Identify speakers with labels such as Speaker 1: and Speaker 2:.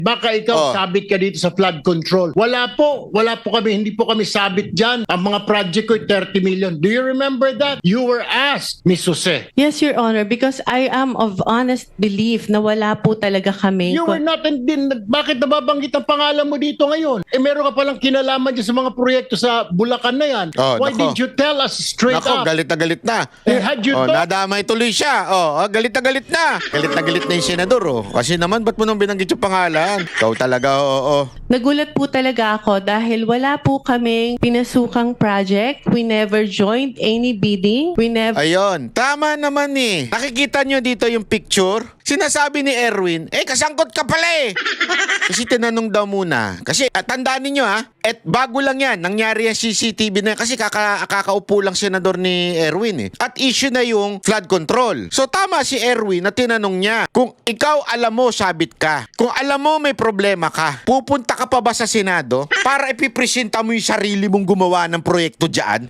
Speaker 1: Baka ikaw sabit ka dito sa flood control. Wala po kami, hindi po kami sabit dyan. Ang mga project ko 30 million. Do you remember that? You were asked, Miss Jose.
Speaker 2: Yes, Your Honor, because I am of honest belief na wala po talaga kami.
Speaker 1: You were not, bakit nababanggit ang pangalan mo dito ngayon? Eh meron ka palang kinalaman dyan sa mga proyekto sa Bulacan na yan. Why did you tell us straight up?
Speaker 3: Galit na galit na.
Speaker 1: Had you
Speaker 3: nadamay tuloy siya. Galit na galit na. Galit na galit na yung senador. Kasi naman, ba't mo nang binanggit yung pangalan? Ikaw talaga,
Speaker 2: Nagulat po talaga ako dahil wala po kaming pinasukang project. We never joined any bidding. We never...
Speaker 3: Ayun, tama naman eh. Nakikita nyo dito yung picture? Sinasabi ni Erwin, kasangkot ka pala eh. Kasi tinanong daw muna. Kasi tandaan ninyo bago lang yan, nangyari yung CCTV na yan. Kasi kakaupo lang senador ni Erwin eh. At issue na yung flood control. So tama si Erwin na tinanong niya, kung ikaw alam mo sabit ka, kung alam mo may problema ka, pupunta ka pa ba sa Senado para ipipresenta mo yung sarili mong gumawa ng proyekto dyan?